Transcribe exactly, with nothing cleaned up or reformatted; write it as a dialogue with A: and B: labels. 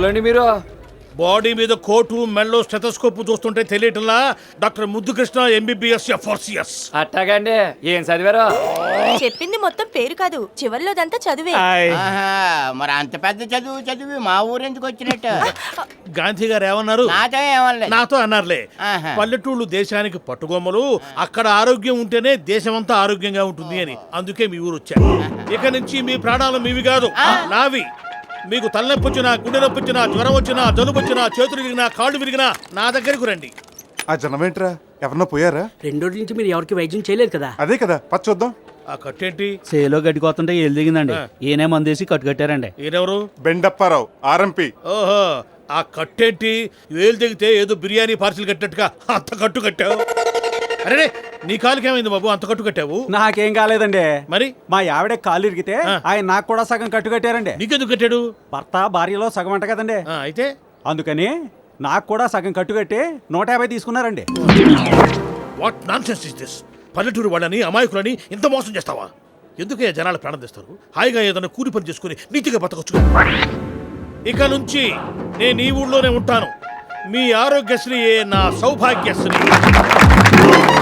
A: ఎవరండి మీరు?
B: బాడీ మీద కోటు మెల్లో స్టెథోస్కోప్ చూస్తుంటే తెలియటంలా డాక్టర్ ముద్దుకృష్ణ ఎంబీబీఎస్ ఎఫ్ఆర్సిఎస్.
A: అట్టాగండి. ఏం చదివారు?
C: చెప్పింది మొత్తం పేరు కాదు, చివర్లోదంతా చదివే.
D: ఆహా, మరి అంత పెద్ద చదువు చదివి మా ఊరెందుకు వచ్చినట్టు?
B: గాంధీ గారు ఏమన్నారు?
D: నాతో ఏమనలేదు.
B: నాతో అన్నారులే.
D: ఆహా.
B: పల్లెటూళ్ళు దేశానికి పట్టుగొమ్మలు, అక్కడ ఆరోగ్యం ఉంటేనే దేశమంతా ఆరోగ్యంగా ఉంటుంది అని. అందుకే మీ ఊరు వచ్చారు. ఇక నుంచి మీ ప్రాణాలు మీవి కాదు, నావి. మీకు తలనొప్పి వచ్చినా, గుండె నొప్పి వచ్చినా, జ్వరం వచ్చినా, జలుబు వచ్చినా, చేతులు విరిగినా, కాళ్ళు విరిగినా నా దగ్గరకు రండి.
E: ఆ జనం ఏంట్రా? ఎవరన్నా పోయారా?
F: రెండు రోజుల నుంచి మీరు ఎవరికి వైద్యం చేయలేదు కదా?
E: అదే కదా, పచ్చ చూద్దాం.
B: ఆ కట్టేంటి?
G: సేలో గడ్డికొస్తుంటే ఏళ్ళు దిగిందండి. ఈయనే మందేసి కట్టు కట్టారండి.
B: ఈయనెవరు?
E: బెండప్పారావు, ఆర్ఎంపీ.
B: ఓహో, ఆ కట్టేంటి? వేలు దిగితే ఏదో బిర్యానీ పార్సిల్ కట్టినట్టుగా అంత కట్టు కట్టావు. అరే, నీ కాలుకి ఏమైంది బాబు, అంత కట్టు కట్టావు?
G: నాకేం కాలేదండి.
B: మరి
G: మా ఆవిడ కాలు ఇరిగితే ఆయన నాకు కూడా సగం కట్టు కట్టారండి.
B: నీకెందుకు కట్టాడు?
G: భర్త భార్యలో సగం అంట కదండి.
B: ఆ, అయితే
G: అందుకని నాకు కూడా సగం కట్టు కట్టి నూట యాభై తీసుకున్నారండి.
B: What nonsense is this? పల్లెటూరు వాళ్ళని, అమాయకులని ఇంత మోసం చేస్తావా? ఎందుకే జనాలు ప్రాణం తెస్తారు? హాయిగా ఏదైనా కూలి పని చేసుకుని నీతిగా బతకొచ్చు. ఇక నుంచి నేను ఈ ఊళ్ళోనే ఉంటాను. మీ ఆరోగ్యశ్రీ నా సౌభాగ్యశ్రీ.